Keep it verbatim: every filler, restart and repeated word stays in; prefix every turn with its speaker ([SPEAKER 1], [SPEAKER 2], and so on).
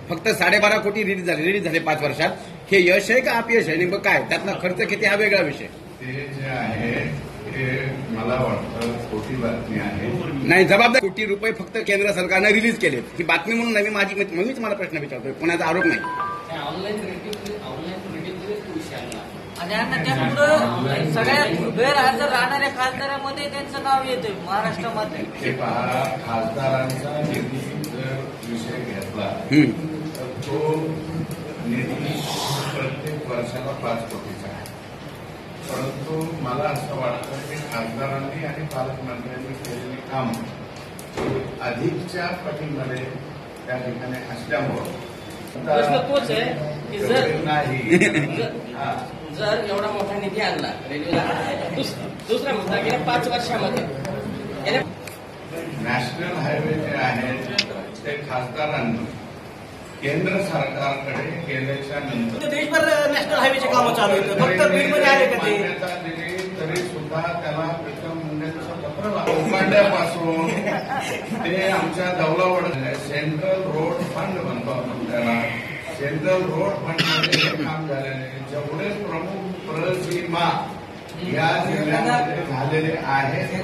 [SPEAKER 1] फक्त साडेबारा कोटी रिलीज झाले रिलीज झाले पाच वर्षात. हे यश आहे का अपयश आहे? नेमकं काय त्यातला खर्च किती हा वेगळा विषय.
[SPEAKER 2] ते जे आहे ते मला वाटतं खोटी बातमी आहे.
[SPEAKER 1] नाही, जबाबदार कोटी रुपये फक्त केंद्र सरकारनं रिलीज केले. ही बातमी म्हणून नाही, माझी मीच मला प्रश्न विचारतोय, कोणाचा आरोप नाही.
[SPEAKER 3] आणि आता त्यापुढं सगळ्यात गैरहजर राहणाऱ्या खासदारांमध्ये त्यांचं नाव येतंय महाराष्ट्रामध्ये.
[SPEAKER 2] हे पहा, खासदारांचा निधी जर विषय घेतला तर तो निधी प्रत्येक वर्षाला पाच कोटीचा आहे. परंतु मला असं वाटतं की खासदारांनी आणि पालकमंत्र्यांनी केलेले काम अधिकच्या पटीमध्ये त्या ठिकाणी असल्यामुळं
[SPEAKER 3] प्रश्न तोच आहे की जर
[SPEAKER 2] नाही
[SPEAKER 3] जर एवढा मोठा निधी आणला रेल्वेला, दुसरा मुद्दा गेल्या पाच वर्षामध्ये
[SPEAKER 2] नॅशनल हायवे जे आहेत ते खासदारांनी केंद्र सरकारकडे गेल्याच्या नंतर
[SPEAKER 3] देशभर नॅशनल हायवेचे कामं चालू आहेत, फक्त बीडमध्ये आले का ते?
[SPEAKER 2] मान्यता दिली तरी सुद्धा त्याला प्रीतम मुंडेंचं पत्र उकांड्यापासून ते आमच्या दौलावड सेंट्रल रोड फंड म्हणतो आपण त्याला. सेंट्रल रोड फंडमध्ये हे काम झालेले जेवढे प्रमुख प्रसीमा या जिल्ह्यामध्ये झालेले आहेत